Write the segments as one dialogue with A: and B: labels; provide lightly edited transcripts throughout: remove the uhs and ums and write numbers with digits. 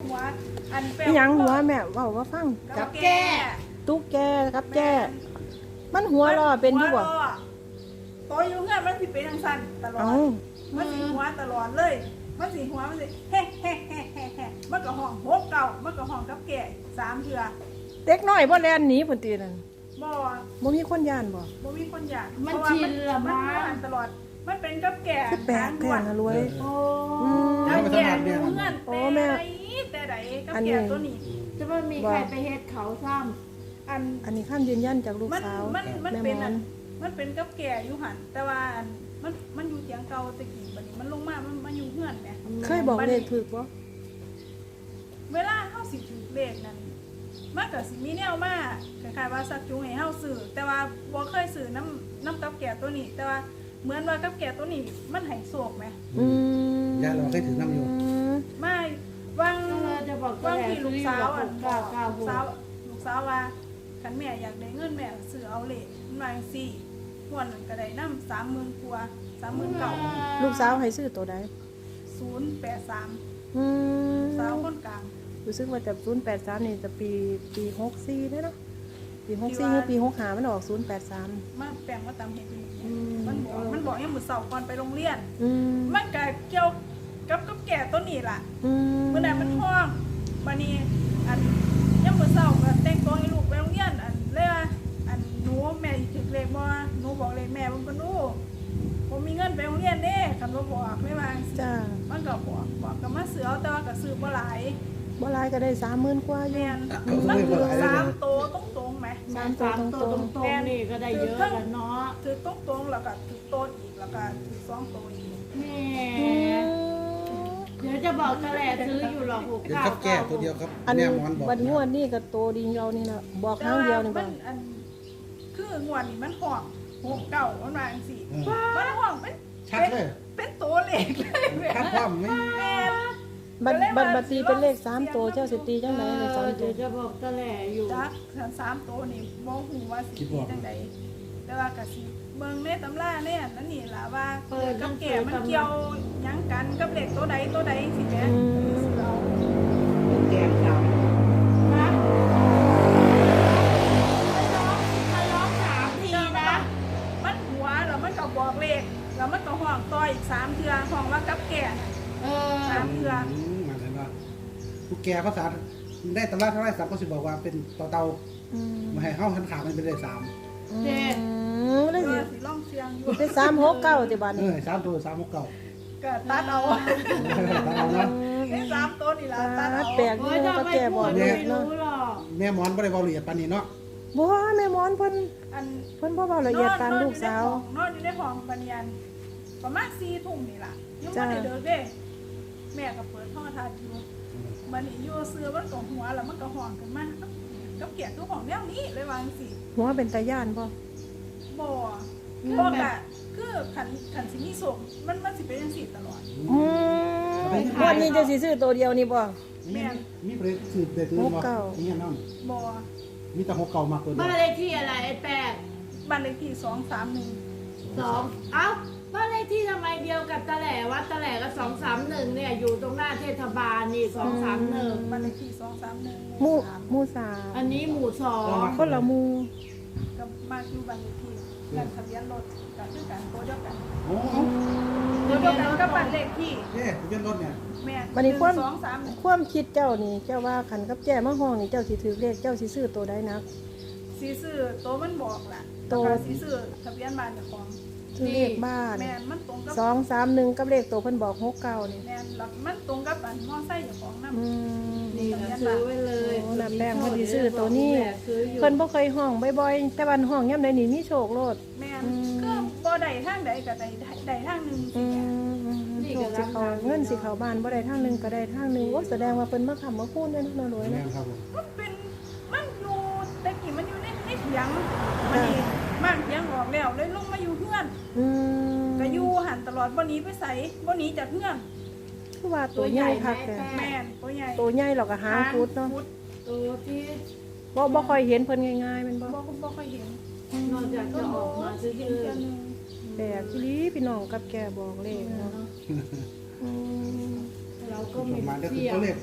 A: หัวอันแปล
B: อีหยังหัวแม่เว้าว่าฟัง
A: กับแก่
B: ตุ๊กแกกับแจ้มันหัวรอเป็นอยู่บ่
A: โตอยู่เงื่อนมันสิเป็นจังซั่นตลอด
B: เอ้า
A: มันสิหัวตลอดเลยมันสิหัวมันสิเฮ้เฮ้เฮ้เฮ้เฮ้มันก็ห้องหกเก่ามันก็ห้องกับแก่3เทื่อ
B: เด็กน้อยบ่แล่นหนีพุ่นตินั่น
A: บ่
B: บ่มีคนย่านบ่
A: บ่มีคนอยาก
C: มันชินละ
A: มัน
C: มั้
A: หั
C: ง
A: นตลอดมันเป็นกับแก่
B: คือแปลกแท้นะรวย
C: โอ้
A: กับแก่อยู่เงื่อน
B: โอ้แม่
A: แต่ใดกับ
B: อันนี้
A: แก่ตัวนี้
C: จะไม่มีใครไปเฮ็ดเขาซ้
B: อันนี้คำยืนยันจากลูก
A: มัน
B: สาว
A: มัน
B: แม่
A: เป็น
B: มอ
A: อั
B: น
A: นมันเป็นกับแก่อยู่หันแต่ว่าอันมันอยู่เถียงเก่าตะกี้บัดนี้มันลงมามันอยู่เฮือนแหม
C: ำ
B: เคยบอกเลขถูกบ่
A: เวลาเฮาสิถือเลขนั้นมันก็สิมีแนวมาคล้ายๆว่าสักจูงให้เฮาซื้อแต่ว่าบ่เคยซื้อน้ำกับแก่ตัวนี้ แต่ว่าเหมือนว่ากับแก่ตัวนี้มันให้โศกแหม
B: อืม
D: ย่าเราเคยถือน้ำอยู่
A: ไม่วาง
C: เราจะบอก
A: วาง
C: แหละ
A: ที่
C: ซื้
A: ลู
C: อก อยู่
A: สาว
C: กับ
A: อ่ะ
C: ผมก้าวก้าวหัว
A: ลูกสาวว่าคันแม่อยากได้เงินแม่ซื้อเอาเลขมันว่าจังซี่ม่วนนั้นก็ได้นำ 30,000 กว่า 39,000
B: ลูกสาวให้ซื้อตัวใด
A: 083
B: อืม
A: สาวคนกลาง
B: รู้สึกว่าจะ083นี่จะปี64เด้อเนาะปี
A: ที่
B: 64
A: ว่า
B: หรือปี65มันออก083
A: มาแปลงว่าตามเหตุนี้
B: อืม
A: มันบอกยังมื้อเช้าก่อนไปโรงเรียน
B: อืม
A: มันก็เกี่ยวกับแก่ตัวนี้ล่ะ
B: อืม
A: เมื่อนั้นมันท้องบัดนี้อันยังมื้อเช้าก็แต่งตัวให้ลูกไปโรงเรียนอันเลยว่าอันหนูแม่สิถึกเลขบ่หนูบอกเลขแม่มันบ่รู้ผมมีเงินไปโรงเรียนเด้คันบ่บอกไม่ว่าจังซี่
B: จ้า
A: มันก็บอกก็มาซื้อเอาแต่ว่าก็ซื้อบ่หลาย
B: บ่หลายก็ได้30,000กว่าอยู่
A: แม่นมันคือ3โตวตรงๆไหม
C: สามตัวตรงๆนี่ก็ได้เยอะแล้วเนาะ
A: ถือตรงๆแล้วก็ถือโตดอีกแล้วก็ถือ2โตวอีก
C: แม่เดี๋ยวจะบอกตะแหล่ซื้ออยู่หรอกหก
D: เดี๋ยว
C: เก้า
D: ครับแก้ตัวเดียวครับ
B: อัน
D: แม่หมอนบอก
B: บัดงวดนี้ก็โตดีเรานี่ล่ะบอกครั้งเดียวนี่บ่
A: อันคืองวดนี้มันห้อง6เก่ามันว่าจังซี่
D: เออ
A: มันห้องเป็น
D: ชัดเลย
A: เป็นตัวเลขเลยแม่
D: ชัดความไม่
A: แม่
B: บัดตีเป็นเลข3ตัวเจ้าสิตีจังได๋เลข3ตั
C: เดี๋
B: ว
C: ยวจะบอกตะแหล่อยู่
A: จัก3ตัวนี่บ่ฮู้ว่าสิเป็นจังไดแต่ว่าก็สิเบิ่งในตำราเนี่ยนั่นนี่ล่ะว่ากับแก่มันเกี่ยวหยังกันกับเลขตัวใดสิแม่สิเอา
C: แกงดำนะมันร้อง3 ทีนะ
A: มันหัวแล้วมันก็บอกเลขแล้วมันก็ห้องต่ออีก3เทื่อห้องว่ากับแก่น่ะ
C: เออ
A: 3เทื่อ
D: หมายถึงว่าผู้แก่ภาษาได้ตำราเท่าไรสามก็สิบอกว่าเป็นเตา
B: อืม
D: มาให้เข้าหันขามันเป็นเลข3
C: เจ็ด
B: ได้
A: ก็
B: สิ
A: สิลองเสียงอยู่
B: เป็น369ติบัด
D: เอ
B: นี้
D: อ3ตัว3 6 9
A: ก็ตัดเอา
D: ตามเอานะ
A: ได้3ตัวนี่ล่ะตัดเอา
B: แปลก
C: โอ้
B: นี่
C: ยถ้า
B: ก็
C: ไม่
B: แก่
C: พู
B: บ่
C: ด
B: เล
C: ไม่
B: ขเนาะ
C: รู้หรอก
D: แม่หมอนบ่ได้เว้าละเอียดปานนี้เนาะ
B: บ่แม่หมอนเพิ่น
A: อัน
B: เพิ่นบ่เว้าละเอียดปานลูกสาว
A: นอนอยู่ในห้องบันยันประมาณ4 ทุ่มนี่ล่ะยัง
B: จ้า
A: บ่ได้เดินเด้แม่ก็เปิดห้องทัดอยู่บัดนี้อยู่เสื้อมันก็หัวแล้วมันก็ห้องขึ้นมากับเกียรทุกห้องแนวนี้เลยว่าจังซี่
B: หัวเป็นตาย่านบ่
A: บ่บ่กะคือขันสิมีส่งมันสิเป็นจังซี่ตลอด
B: อืมวันนี้เจะสิซื้อตัวเดียวนี่บ่
D: มีประเด็นสืบเด็ดตัวบ่นี่น้อง
A: บ่
D: มีแต่6 9มากตัวเดี
C: บ้าน
D: ยว
C: เลขที่อะไรไอ้แปด
A: บ้านเลขที่231
C: 2เอ้าบ้านเลขที่ทำไมเดียวกับตะแหล่วัดตะแหล่ก็231เนี่ยอยู่ตรงหน้าเทศบาลนี่231
A: บ้านเลขที่231
B: หมู่
A: 3
B: หมู่สาม
C: อันนี้หมู่สอง
B: คนละหมู่
A: ก็มาอยู่บ้านเลขที่แล้วทะเบียนรถก็คือกันตัวเดียวกัน
D: โอ้
A: ตัวเดียวกันกับบ้านเลขที่
D: เอ๊ะทะเบียนรถเนี่ย
A: แม่
B: บัดนี้ความ
A: 1 2
B: ความคิดเจ้านี่เจ้าว่าคันกับแจ้มาห้องนี่เจ้าสิถือเลขเจ้าสิซื้อตัวใดนัก
A: 3สีซื้อตัวมันบอกล่ะ
B: ตัว
A: แล้วก็สีซื้อทะเบียนบ้านเจ้าของ
B: ซื้อเลขบ้าน
A: แม่นมันตรงกับ
B: 231กับเลขตัวเพิ่นบอก69นี่
A: แม่นแล้วมันตรงกับอันมอไซค์เจ้าของนำ
B: อืม
C: นี่นะซื้อไว้เลย
B: โอ้น่ะแป้งพอดีซื้อตัวนี้
C: ซื้ออยู่
B: เพิ่นบ่เคยห้องบ่อยๆแต่วันห้องยามใดนี่มีโชคโลด
A: แม่นก็บ่ได้ทางใดก็ได้ทางหนึง
B: อืมโชคสิเขาเงินสิเขาบ้านบ่ได้ทางหนึงก็ได้ทางหนึงโอ้แสดงว่าเพิ่นมาค้ำมาคูณได้เนาะรวย
D: แม่
B: เนาะ
D: ครับผม
A: มันเป็นมันอยู่แต่กี้มันอยู่ในเถียงมันนี่บ้านเถียงออกแล้วเลยลงมาอยู่เฮือน
B: อืม
A: ก็อยู่หันตลอดบ่หนีไปไสบ่หนีจากเฮือน
B: คือว่าตัวใหญ่คักแท้
A: แม่นตัวใหญ่
B: ตัวใหญ่เราก็หางพุดเนาะ
C: ตัวที่
B: บ่ค่อยเห็นเพิ่นง่ายๆแมันบ่
A: บ่ค่อยเห็น
C: นอกจากจะออกมาซื้อ
A: เห็นเทื่อนึง
B: แปลกอีหลีพี่น้องกับแกบอกเลขเนาะอืม
C: เราก็
D: อ
C: ไม่
D: อกมาได้คือ
C: เที่ยว
D: ตัวเลข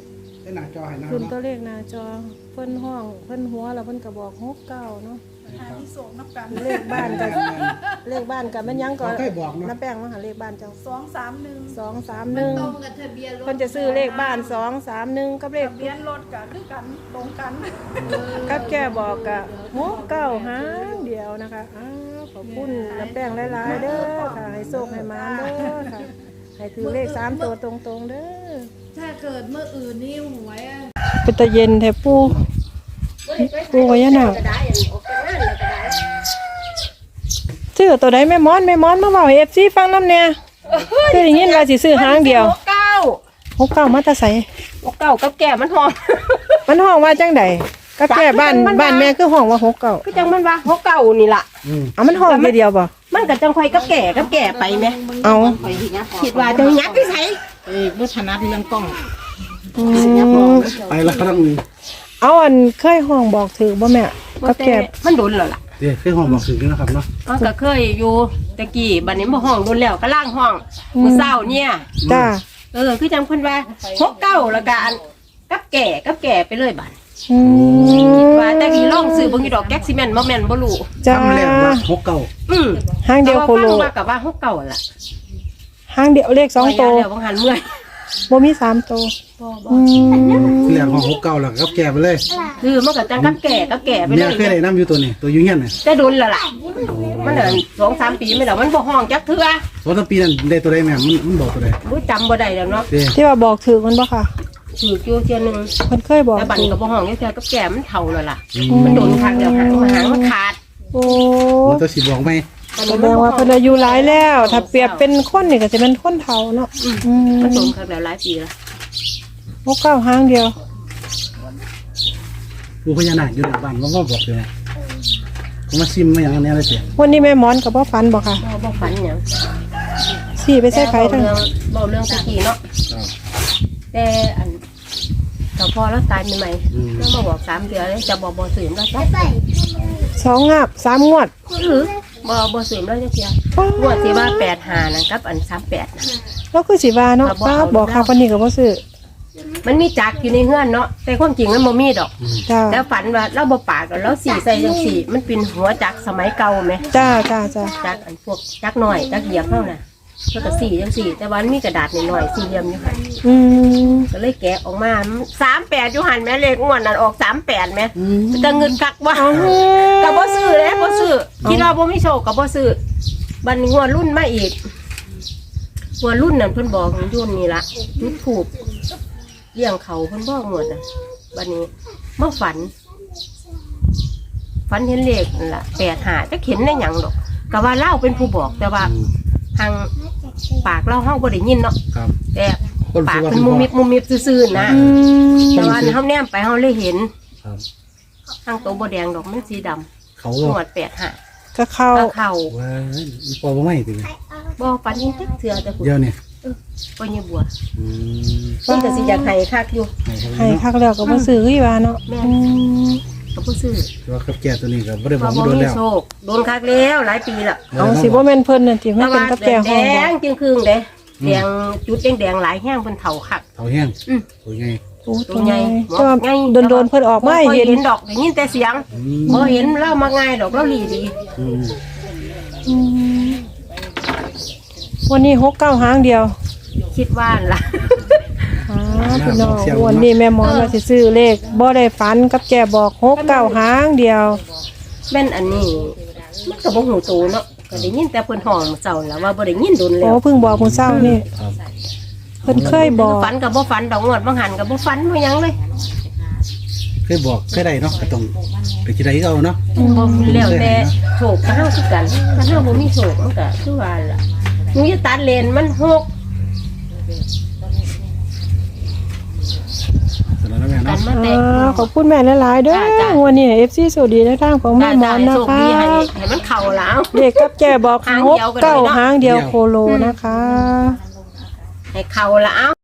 D: ได้หน้าจอให้นะครั
B: ขึ้
D: บ
B: นตัว
D: เนาะ
B: เลขหน้าจอเพิ่นห้องเพิ่นหัวแล้วเพิ่นก็บอก69เนาะ
A: หาที่ส่งนับกัน
B: เลขบ้านก็เลขบ้านก็มันยังก็
D: เขาเคยบอกเนาะ
B: น้าแป้งมาหาเลขบ้านเจ้า
A: 231
C: มันตรง
B: 231
C: กับทะเบียนรถ
B: เพิ่นจะซื้อเลขบ้าน231กับเลข
A: ทะเบียนรถก็คือกันตรงกัน
B: กับแกบอกกะ69หางเดียวนะคะอ้าวขอบคุณน้าแป้งหลายๆเด้อค่ะให้โชคให้มาเด้อค่ะให้ถือเลข3ตัวตรงๆเด้อ
C: ถ้าเกิดเมื่ออื่นนี่หวยอะ
B: เป็นตะเย็นแท้ปูพญานาคซื้อตัวใดแม่มอนมาเว้าให้ FC ฟังนำแน่คือได้ยินว่าสิซื้อหางเดียว69มาแตาไส
E: เก่ากับแก่มันหอม
B: มันห้องว่าจังไดกับแก่บ้านแม่คือห้องว่า69
E: ก็จังมันว่าเก่านี่ล่ะ
B: เอามันห้องเดียวบ่
E: มันก็จังค่อยกับแก่ไปไหม
B: เอา
E: คิดว่าจะยักไปใส่
B: อืม
D: ไปแล้วก็ต้อง
B: เอาอันเคยห้องบอกถือบ่แม่กับแก่
E: มันโดนแล้วล่ะ
D: เดี๋ยวเคยห้องบอกถึงนะครับเนาะ
E: มันก็เคยอยู่ตะกี้บัดนี้บ่ห้องโดนแล้วก็ล่างห้องมื้อเช้าเนี่ย
B: จ้า
E: คือจังเพิ่นว่าเก่าแล้วก็อันกับแก่ไปเลยบัด
B: อืม
E: ว่าแต่กี่ลองซื้อบ่มีดอกแก๊กซิเมนต์บ่แม่นบ่รู้
B: จ้า
D: ทำแรกว่า69
B: หางเดียวโคโล
E: ว่ากับว่าเก่าล่ะ
B: หางเดียวเลข2ตัว
E: เดี๋ยวบางหันเมื่อย
B: บ่มี3ตัวอืม
D: ที่แรกห้อง69แล้วก็แก่ไปเลย
E: คือมันก็จังกับแก่ไปเล
D: เนี่ย
E: ย
D: เคยได้น้ำอยู่ตัวนี้ตัวอยู่เฮียนน่ะ
E: แต่โดนแล้วล่ะมันเดิน2-3 ปีไม่แล้วมันบ่ห้องจักเทื่อ
D: 2-3ปีนั้นได้ตัวใดแม่มันบอกตัวใด
E: รู้จำบ่ได้แล้วเนาะ
D: เด้
B: ที่ว่าบอกถือมันบ่ค่ะ
E: ถืออยู่เทื่อนึง
B: เพิ่นเคยบอก
E: แต่บัด
B: ถื
E: นี้
B: อ
E: ก็บ่ห้องจักเทื่อกับแก่มันเฒ่าแล้วล่ะมันโดนคักแล้วหางมันขาด
B: โอ้
D: มันตัวสิบอกไหม
B: แสดงว่าเพิ่นอายุหลายแล้ว ถ้าเปรียบเป็นคนนี่ก็สิเป็นคนเฒ่าเนาะอืม
E: มันโดนคักแล้วหลายปีแล้ว
B: 69หางเดียว
D: ผู้พญานาคอยู่ในบ้านว่าบอกเลยเขามาซิมมาอย่างนี้เลยเสีย
B: วันนี้แม่หมอนก็บ่ฝันบ่ค่ะ
E: บ่ฝันหยัง
B: สิไปใส่ไผทั้ง
E: เว้าเรื่องตะกี้เนาะแต่อันเจ้าพ่อแล้วตายใหม่ๆแล้วมาบอก3 เดือนเลยจะบ่ซื้อแล้วจ้ะ
B: 2งาบ3งวด
E: บ่ซื้อแล้วจักเทื่องวดที่ว่า85นั่นกับอัน38น่ะ
B: แล้วคือสิว่าเนาะป้าบอกค่ะวันนี้ก็บ่ซื้อ
E: มันมีจักอยู่ในเฮือนเนาะแต่ความจริงมันบ่มีดอก
B: จ้า
E: แล้วฝันว่าเราบ่ปากกันแล้วสีใส่จังสีมันเป็นหัวจักสมัยเก่าไหม
B: จ้า
E: จักอันพวกจักหน่อยจักเหยียบเท่าน่ะแล้วก็สีจังสีแต่ว่ามันมีกระดาษหน่อยๆสี่เหลี่ยมอยู่หัน
B: อืม
E: ก็เลยแกะออกมา38อยู่หันแม่เลขงวดนั้นออก38แม่จะเงินกักว่าก็บ่ซื้อเลยบ่ซื้อคิดว่าบ่มีโชคก็บ่ซื้อบัดนี้งวดรุ่นมาอีกงวดรุ่นนั้นเพิ่นบอกยุ่นนี่ล่ะจุดถูกเลี้ยงเขาเพิ่นบอกงวดน่ะบัดนี้มาฝันเห็นเลขนั่นล่ะ85จักเห็นได้หยังดอกก็ว่าเล่าเป็นผู้บอกแต่ว่าทางปากเล่าเฮาบ่ได้ยินเนาะ
D: ครับ
E: แต่ปากเป็นมุมมิบซื่อๆนะ
B: อืม
E: แต่ว่าเฮาแนมไปเฮาเลยเห็น
D: ครับ
E: ทางตัวบ่แดงดอกมันสีดำ
D: เขา
E: ห
D: ก็
E: นวด85
B: ก็เข้า
E: ก็เข้า
D: ว่าพอบ่ไม่ถึง
E: บ่ปันยิงจักเทื่อแต่ผู้
D: เดี๋ยวเนี่ย
E: บ่ยบัว
D: อืม
E: เพิ่นก็สิอยากให้คักอยู่
B: ให้คักแล้วก็บ่ซื้ออีว่าเนาะอืม
E: ก็บ่ซื้อ
D: ว่ากับแก่ตัวนี้ก็บ่ได้บ
E: เพ
D: อก
E: ราะ
D: มา
E: บ่
D: โดน
E: มี
D: แล้ว
E: โชคโดนคักแล้วหลายปีละ
B: เอาสิบ่แม่นเพิ่นนั่นติ
E: แต่
B: มันเป็
E: ว่าน
B: กับแก่ห้อง
E: แด
B: บ่
E: งจึงครึ่งเด้แดงจุดแดงๆหลายแห้งเพิ่นเฒ่าคัก
D: เท่าแห้ง
E: อืม
D: ตัวใหญ่
B: โอ้ตัวใหญ่แต่ว่าโดนๆเพิ่นออกมาให้เห็น
E: ดอกได้ยินแต่เสียง
D: อืม
E: บ่เห็นเล่ามาง่ายดอกเล่าหลีดี
D: อืม
B: อืมวันนี้69หางเดียว
E: คิดว่าล่ะ
B: พี่น้องวันนี้แม่หมอนว่าสิซื้อเลขบ่ได้ฝันกับแก่บอก69หางเดียว
E: แม่นอันนี้มันก็บ่หูโตเนาะก็ได้ยินแต่เพิ่นห้องมื้อเช้าแล้วว่าบ่ได้ยินโดนแล้
B: โอ้
E: ว
B: เพิ่งบอกมื้อเช้านี่
D: ครับ
B: เพิ่นเคยบอก
E: ฝันก็บ่ฝันดอกงวดบางหันก็บ่ฝันบ่หยังเลย
D: เคยบอกเคยได้เนาะก็ต้องไปคิดได้ก็เอาเนาะ
E: บ่แล้วแต่โชคกับเฮาคือกันถ้าเฮาบ่มีโชคมันก็คือว่าล่ะหนูจะตัดเลนมันหก
D: สำหรับแม่
E: กั
D: เนาะ
E: นมาแต่
B: ขอบคุณแม่หลายๆเด้อ
E: จ้า
B: วันนี้ FC สวัสดีในทางของแม่หมอนนะ
E: โชค
B: คะ
E: ดีให้มันเข้าแล้ว
B: เด็กกับแก่บอก
E: หางเดียวกันเลยเนาะ
B: 69หางเดียวโคโลนะคะ
E: ให้เข้าแล้ว